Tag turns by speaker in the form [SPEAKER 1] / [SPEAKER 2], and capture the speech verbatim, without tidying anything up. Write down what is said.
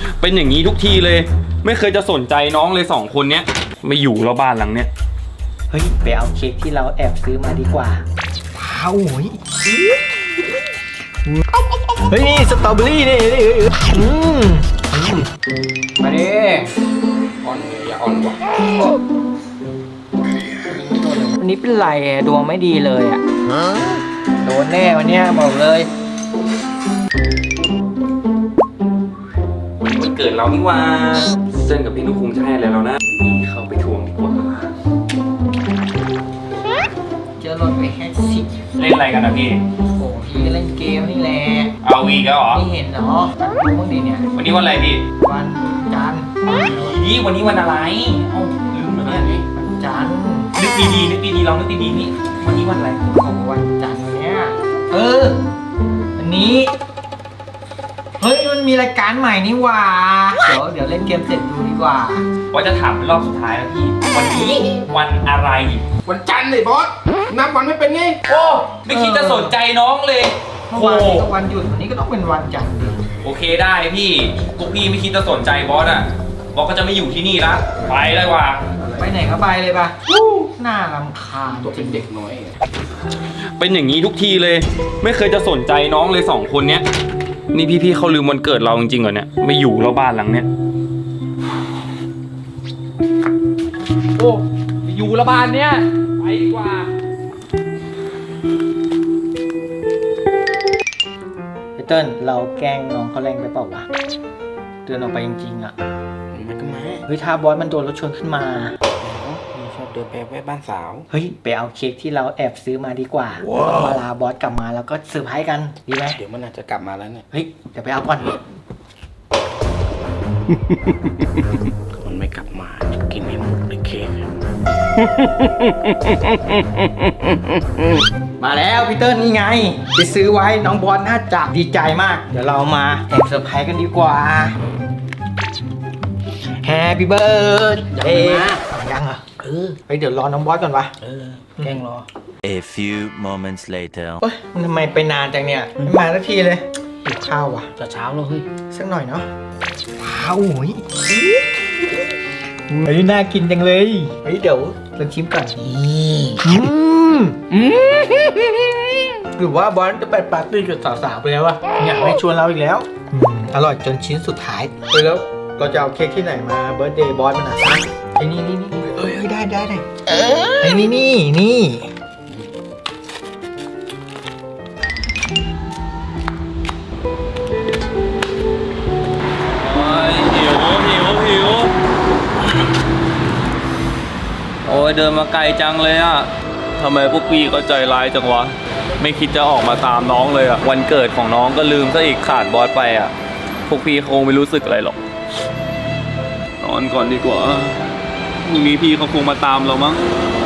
[SPEAKER 1] เป็นอย่างนี้ทุกทีเลยไม่เคยจะสนใจน้องเลยสองคนเนี้ยไม่อยู่แล้วบ้านหลังเนี้ย
[SPEAKER 2] เฮ้ยไปเอาเค้กที่เราแอบซื้อมาดีกว่าว้าวเฮ้ยเฮ้ยนี่สตรอเบอรี่นี่นี่อืมมาดิอ่อนอย่าอ่อนกว่าวันนี้เป็นไรดวงไม่ดีเลยอ่ะโดนแน่วันนี้บอกเลย
[SPEAKER 1] วันนี้วันเกิดเรานี่ว่าเจนกับพี่นุ๊กคงจะให้อะไรเรานะนี่เข้าไปทวงดีกว่า
[SPEAKER 2] เจอรถไปแค่สิบ
[SPEAKER 1] เล่นอะไรกันนะพี่
[SPEAKER 2] โอ้พี่เล่นเกมนี่แหละ
[SPEAKER 1] เอาวีก็หรอ
[SPEAKER 2] ไม่เห็นเนาะดูบ้างดิเนี่ย
[SPEAKER 1] วันนี้วันอะไรพี่
[SPEAKER 2] วันจันทร์
[SPEAKER 1] นี่วันนี้วันอะไรเอ้าลืมแล้วเนี่ย
[SPEAKER 2] วันจันทร์
[SPEAKER 1] นึกดีๆนึกดีๆลองนึกดีๆนี่วันนี้วันอะไร
[SPEAKER 2] โอ้วันจันทร์เนี่ยเออวันนี้เฮ้ยมันมีรายการใหม่นี่ว่าเดี๋ยวเดี๋ยวเล่นเกมเสร็จดูดีกว่า
[SPEAKER 1] ว่าจะถามเป็นรอบสุดท้ายแล้วพี่วันนี้วันอะไร
[SPEAKER 3] วันจันทร์เลยบอสนับวันไม่เป็นไง
[SPEAKER 1] โอ้ไม่คิดจะสนใจน้องเลย
[SPEAKER 2] เมื่อวานนี้ก็วันหยุดวันนี้ก็ต้องเป็นวันจันทร์ดิ
[SPEAKER 1] โอเคได้พี่พวกพี่ไม่คิดจะสนใจบอสอ่ะบอสก็จะไม่อยู่ที่นี่ละไปเลยว่ะ
[SPEAKER 2] ไปไหนก็ไปเลยป่ะน่ารำคาญ
[SPEAKER 3] ตัวเป็นเด็กน้อย
[SPEAKER 1] เป็นอย่างนี้ทุกทีเลยไม่เคยจะสนใจน้องเลยสองคนเนี้ยนี่พี่ๆเขาลืมวันเกิดเราจริงๆเหรอเนี่ยไม่อยู่แล้วบ้านหลังเนี้ยโอ้อยู่ละบ้านเนี้ยไปดีกว่า
[SPEAKER 2] พี่เติ้ลเราแกล้งน้องเขาแรงไปเปล่าวะเดินออกไปจริงๆอ่ะ
[SPEAKER 3] มันก็มา
[SPEAKER 2] เฮ้ยถ้าบอสมันโดนรถชนขึ้นมา
[SPEAKER 3] ชอบเดินไปแวะบ้านสาว
[SPEAKER 2] เฮ้ยไปเอาเค้กที่เราแอบซื้อมาดีกว่าเวลาบอสกลับมาแล้วก็เซอร์ไพรส์กันดีไหม
[SPEAKER 3] เดี๋ยวมันอาจจะกลับมาแล้วเนี่ย
[SPEAKER 2] เฮ้ยเดี๋ยวไปเอาก่อน
[SPEAKER 3] มันไม่กลับมาจะกินให้หมดเลยเค้ก
[SPEAKER 2] มาแล้วพี่เติ้ลนี่ไงไปซื้อไว้น้องบอสน่าจะดีใจมากเดี๋ยวเรามาแอบเซอร์ไพรส์กันดีกว่า Happy birthday ยังเหรอเออไปเดี๋ยวรอน้องบอสก่อนวะ
[SPEAKER 3] เออแกล้งรอ
[SPEAKER 4] A few moments later
[SPEAKER 2] เฮ้ยมันทำไมไปนานจังเนี่ยไม่มาสักทีเลยหิวข้าววะ
[SPEAKER 3] จะเช้าแล้วเฮ้ย
[SPEAKER 2] สักหน่อยเนาะว้าวโอ้ยเฮ้ยน่ากินจังเลยเฮ้ยเดี๋ยวลองชิมก่อนอืมอืมหรือว่าบอสจะไปปาร์ตี้กับสาวๆไปแล้ววะอยากให้ชวนเราอีกแล้วอร่อยจนชิ้นสุดท้ายไปแล้วเราจะเอาเค้กที่ไหนมาเบิร์ธเดย์บอสมันอ่ะไอ้นี่นี่นี่เอ้ยได้ได้ได้ไอ้นี่นี่นี่
[SPEAKER 1] โอ้ยหิวหิวหิวโอ้ยเดินมาไกลจังเลยอ่ะทำไมพวกพี่ก็ใจร้ายจังวะไม่คิดจะออกมาตามน้องเลยอ่ะวันเกิดของน้องก็ลืมซะอีกขาดบอสไปอ่ะพวกพี่คงไม่รู้สึกอะไรหรอกนอนก่อนดีกว่าพรุ่งนี้พี่เขาคงมาตามเรามั้ง